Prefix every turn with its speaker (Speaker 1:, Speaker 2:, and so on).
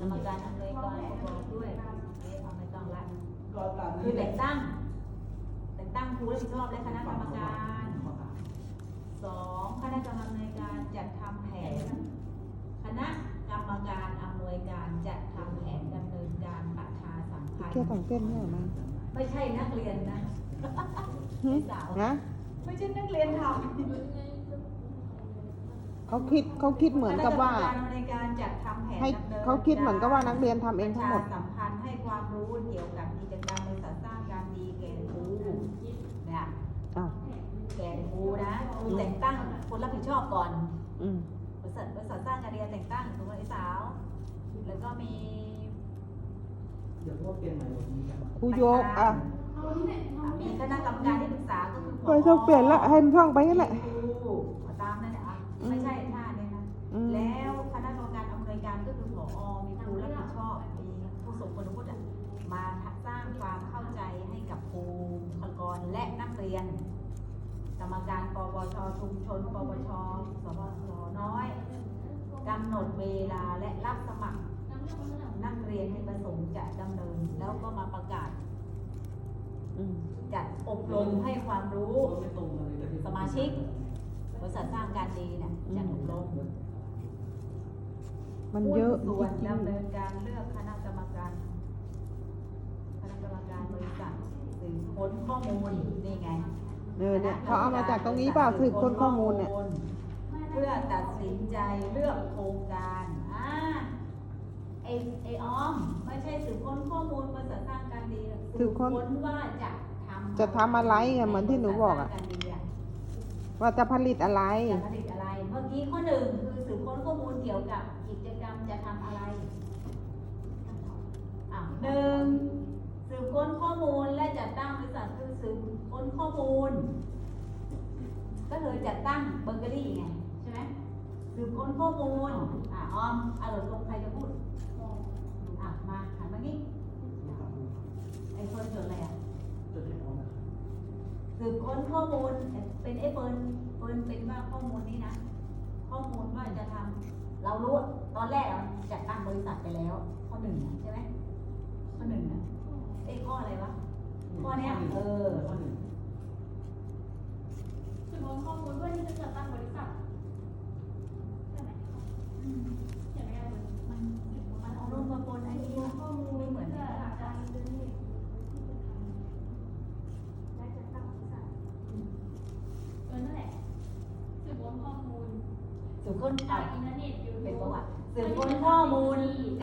Speaker 1: รรมการอำนวยการประกอบด้วยเอาไม่ต้องละ
Speaker 2: ก็ตามนี้
Speaker 1: คือแต่งตั้งครูรับผิดชอบและคณะกรรมการ2คณะกรรมการจัดทำแผนคณะกรรมการอำนวยการจัดทำแผนดำเนินการประชาสัมพันธ์
Speaker 3: แค่ของเส้นเนี่ยมา
Speaker 1: ไม่ใช่นักเรียนนะ
Speaker 3: หึ
Speaker 1: สาว
Speaker 3: นะ
Speaker 1: ไม่ใช่นักเรียนทำ
Speaker 3: เขาคิดเหมือนกับว่า
Speaker 1: คณะกรรมการในการจัดทำแผน
Speaker 3: ให้
Speaker 1: ดำนิน
Speaker 3: เขาคิดเหมือนกับว่านักเรียนทำเองทั้งหมด
Speaker 1: ประชาสัมพันธ์ให้ความรู้เกี่ยวกับกิจกรรมบริษัทสร้างการดีแก่ครูเนี่ย
Speaker 3: อ้าว
Speaker 1: แก่ครูนะครูแต่งตั้งคนรับผิดชอบก่อน
Speaker 3: อืม
Speaker 1: บริษัทสร้างการเรียนแต่งตั้งถูกไหมไอ้สาวแล้วก็มี
Speaker 2: เดี๋ยวพวกเปลี่ยนใหม่หมดนี้กัน
Speaker 3: ครูโยกอ่ะ
Speaker 1: มีคณะกรรมการที่ปรึกษาก็คือ
Speaker 3: ไม่ต้องเปลี่ยนละให้มันท่องไปนั่นแหละ
Speaker 1: ครูตามนั่นแหละอ่ะไม่ใช่ท่าเนี่ยนะ
Speaker 3: อืม
Speaker 1: แล้วคณะกรรมการอำนวยการก็คือผอมีครูรับผิดชอบ มีผู้ทรงคุณวุฒิมาสร้างความเข้าใจให้กับครูบุคลากรและนักเรียน กรรมการปวชชุมชนปวชสวสน้อยกำหนดเวลาและรับสมัครนักเรียนที่ประสงค์จะดำเนิน แล้วก็มาประกาศ
Speaker 3: อืม
Speaker 1: จัดอบรมให้ความรู้
Speaker 2: ไม่ตรงกันเลย
Speaker 1: สมาชิก บริษัทสร้างการดีเนี่ยจัดอบรม
Speaker 3: มันเยอะจ
Speaker 1: ส่วน
Speaker 3: ริง
Speaker 1: ดำเนินการเลือกคณะกรรมการบริษัทสืบค้นข้อมูลนี่ไง
Speaker 3: ๆเนี่ยเขาเอามาจากตรงนี้เปล่าสืบค้นข้อมูลเนี่ย
Speaker 1: เพื่อตัดสินใจเลือกโครงการไอออมไม่ใช่สืบค้นข้อมูลบริษัทสร้างการดี
Speaker 3: สืบค้น
Speaker 1: ว่า
Speaker 3: จะทำอะไรไงเหมือนที่หนูบอกอะ
Speaker 1: บริษัทสร้างการดี
Speaker 3: ว่าจะผลิตอะไร
Speaker 1: จะผลิตอะไร เมื่อกี้ข้อหนึ่งคือสืบค้นข้อมูลเกี่ยวกับกิจกรรมจะทำอะไรหนึ่งสืบค้นข้อมูลและจัดตั้งบริษัทคือสืบค้นข้อมูล ก็คือจัดตั้งเบเกอรี่ไงใช่ไหมสืบค้นข้อมูลออมลงใครจะพูดมาหันมานี่ไอ้คนจดอะไร
Speaker 2: จดให้พร้อมนะ
Speaker 1: สืบค้นข้อมูลเป็นเฟิร์นเป็นว่าข้อมูลนี้นะ ข้อมูลว่าจะทำเรารู้ตอนแรกเราจัดตั้งบริษัทไปแล้ว ข้อหนึ่งใช่ไหมข้อหนึ่งข้ออะไรวะข้อเนี้ย
Speaker 2: ข้อหนึ่ง
Speaker 4: สืบค้นข้อมูลเพื่อที่จะจัดตั้งบริษัทใช่ไหมเขียนไม่ได้เลย
Speaker 1: มันเอารูปมาปนไอ้นี่ข้อมูลไม่เหมือน
Speaker 4: เพื่
Speaker 1: กั
Speaker 4: อน หาการอินเทอร์เน็ตและจัดตั้งบริษัทนั่นแหละสืบค้นข้อมูล
Speaker 1: สืบค้น
Speaker 4: จากอินเทอร์เน็ตยูทูบ
Speaker 1: เป็นประวัติสืบค้นข้อมูล